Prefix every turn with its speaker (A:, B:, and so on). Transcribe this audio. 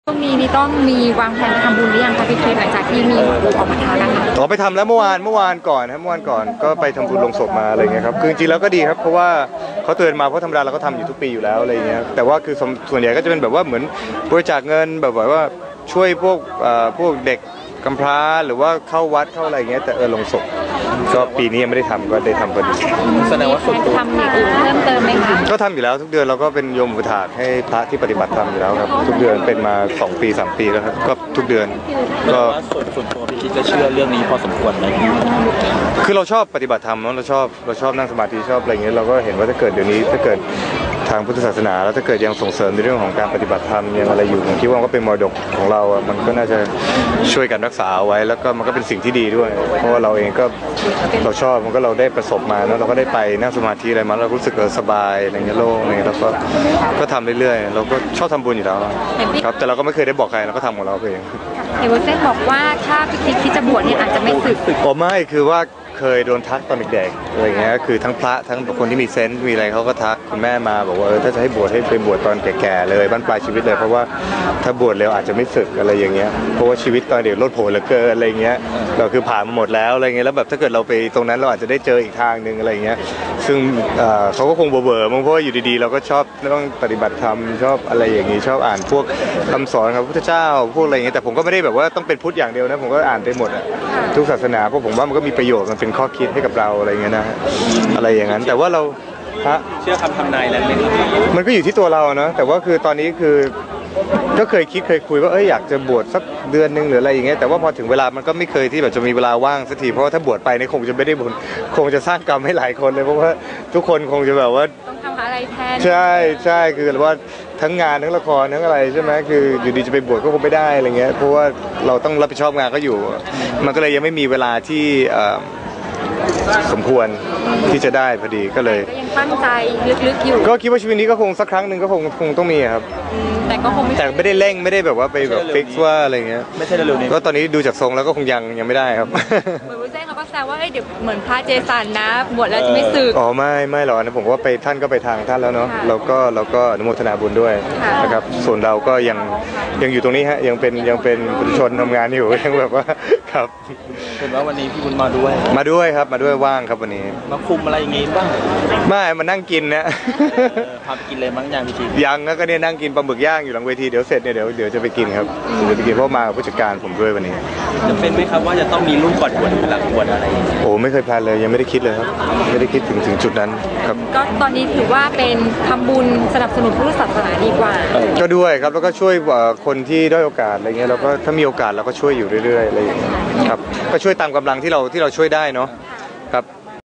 A: ช่วงนี้นี่ต้องมีวางแผนไปทำบุญหรือยังคะพี่เคสหลังจากที่มีออกมาท้านะคะ
B: ต่อไปทำแล้วเมื่อวานก่อนครับเมื่อวานก่อนก็ไปทำบุญลงศพมาอะไรเงี้ยครับคือจริงๆแล้วก็ดีครับเพราะว่าเขาเตือนมาเพราะธรรมดาเราก็ทำอยู่ทุกปีอยู่แล้วอะไรเงี้ยแต่ว่าคือส่วนใหญ่ก็จะเป็นแบบว่าเหมือนบริจาคเงินแบบว่าช่วยพวกเด็กกำพร้าหรือว่าเข้าวัดเข้าอะไรเงี้ยแต่ลงศพก็ปีนี้ยังไม่ได้ทำก็ได้ทำพอดี
A: แสดงว่าส่วนตัวทำอย่างอื่นเพิ่มเติมไหมคะ
B: ก็ทำอยู่แล้วทุกเดือนเราก็เป็นโยมอุปถากให้พระที่ปฏิบัติธรรมอยู่แล้วครับทุกเดือนเป็นมา2 ปี3 ปีแล้วครับก็ทุกเดือนก็
C: ส่วนตัวพี่คิดจะเชื่อเรื่องนี้พอสมควรไหม
B: คือเราชอบปฏิบัติธรรมเนาะเราชอบนั่งสมาธิชอบอะไรเงี้ยเราก็เห็นว่าถ้าเกิดเดี๋ยวนี้ถ้าเกิดทางพุทธศาสนาแล้วถ้าเกิดยังส่งเสริมในเรื่องของการปฏิบัติธรรมยังอะไรอยู่ผมคิดว่าก็เป็นมรดกของเราอ่ะมันก็น่าจะช่วยกันรักษาไว้แล้วก็มันก็เป็นสิ่งที่ดีด้วยเพราะว่าเราเองก็เราชอบมันก็เราได้ประสบมาแล้วเราก็ได้ไปนั่งสมาธิอะไรมาเรารู้สึกสบายอะไรเงี้ยโล่งเลยแล้วก็ทำเรื่อยๆเราก็ชอบทำบุญอยู่แล้วครับแต่เราก็ไม่เคยได้บอกใครเราก็ทำของเราเอง
A: เห็นว่าเส้นบอกว่าถ้าพี่คิดจะบวชเนี่ยอาจจะไม่สึก
B: ไม่คือว่าเคยโดนทักตอนเด็กๆอะไรเงี้ยคือทั้งพระทั้งคนที่มีเซนส์มีอะไรเขาก็ทักคุณแม่มาบอกว่าถ้าจะให้บวชให้ไปบวชตอนแก่ๆเลยบั้นปลายชีวิตเลยเพราะว่าถ้าบวชเร็วอาจจะไม่สึกอะไรอย่างเงี้ยเพราะว่าชีวิตตอนเด็กโลดโผนเหลือเกินอะไรเงี้ยเราคือผ่านมาหมดแล้วอะไรเงี้ยแล้วแบบถ้าเกิดเราไปตรงนั้นเราอาจจะได้เจออีกทางนึงอะไรเงี้ยซึ่งเขาก็คงเบื่อมั้งเพราะว่าอยู่ดีๆเราก็ชอบต้องปฏิบัติธรรมชอบอะไรอย่างงี้ชอบอ่านพวกคำสอนของพระพุทธเจ้าพวกอะไรเงี้ยแต่ผมก็ไม่ได้แบบว่าต้องเป็นพุทธอย่างเดียวนะผมก็อ่านไปหมดทุกศาสนาเพราะผมว่ามันก็มีประโยชน์มันเป็นข้อคิดให้กับเราอะไรเงี้ยนะอะไรอย่างนั้นแต่ว่าเรา
C: เชื่อคำทำนายนั้นไหม
B: มันก็อยู่ที่ตัวเราเนาะแต่ว่าคือตอนนี้คือก็เคยคุยว่าอยากจะบวชสักเดือนนึงหรืออะไรอย่างเงี้ยแต่ว่าพอถึงเวลามันก็ไม่เคยที่แบบจะมีเวลาว่างสักทีเพราะว่าถ้าบวชไปเนี่ยคงจะไม่ได้บุญคงจะสร้างกรรมให้หลายคนเลยเพราะว่าทุกคนคงจะแบบว่า
A: ต้องทำอะไรแทน
B: ใช่คือว่าทั้งงานทั้งละครทั้งอะไรใช่ไหมคืออยู่ดีจะไปบวชก็คงไม่ได้อะไรเงี้ยเพราะว่าเราต้องรับผิดชอบงานก็อยู่มันก็เลยยังไม่มีเวลาที่สมควรที่จะได้พอดีก็เลย
A: ยังตั้งใจลึกๆอยู่
B: ก็คิดว่าชีวิตนี้ก็คงสักครั้งหนึ่งก็คงต้องมีครับ
A: แต่ก็คง
B: แต่ไม่ได้เร่งไม่ได้แบบว่าไปแบบฟิกซ์ว่าอะไรเงี้ย
C: ไม่ใช่เร็วๆนี้
B: ก็ตอนนี้ดูจากทรงแล้วก็คงยังไม่ได้ครับ
A: เหมือนวุ้นเส้นเขาก็แซวว่าเดี๋ยวเหมือนพระเจสันนะบวชแล้วจะไม่สึก
B: ไม่หรอกนะผมว่าไปท่านก็ไปทางท่านแล้วเนาะเราก็อนุโมทนาบุญด้วยนะครับส่วนเราก็ยังอยู่ตรงนี้ฮะยังเป็นปุถุชนทำงานอยู่ยังแบบว่าครับ
C: เห็นว่าวันนี้พี่บุญมาด้วย
B: ครับมาด้วยว่างครับวันนี้
C: มาคุมอะไรอย่างงี้บ้าง
B: ไม่มานั่งกินนะ
C: พาไปกินเลยมั้งยังพี่ชิ
B: ยังก็เนี่ยนั่งกินปลาหมึกย่างอยู่หลังเวทีเดี๋ยวเสร็จเนี่ยเดี๋ยวจะไปกินครับเดี๋ยวไปกินเพราะมาผู้จัดการผมด้วยวันนี้
C: จะเป็นไหมครับว่าจะต้องมีรุ่นก่อนบวชหรือหลังบวชอะไร
B: โอ้ไม่เคยแพลนเลยยังไม่ได้คิดเลยครับไม่ได้คิดถึงจุดนั้นครับ
A: ก็ตอนนี้ถือว่าเป็นทำบุญสนับสนุนพุทธศาสนาดีกว่า
B: ก็ด้วยครับแล้วก็ช่วยคนที่ด้อยโอกาสอะไรเงี้ยแล้วก็ถ้ามีโอกาสเราก็ช่วยอยู่เรื่อยๆอะไรอย่างเงี้ยครับก็ช่วยตามกำลังที่เราช่วยได้เนาะครับ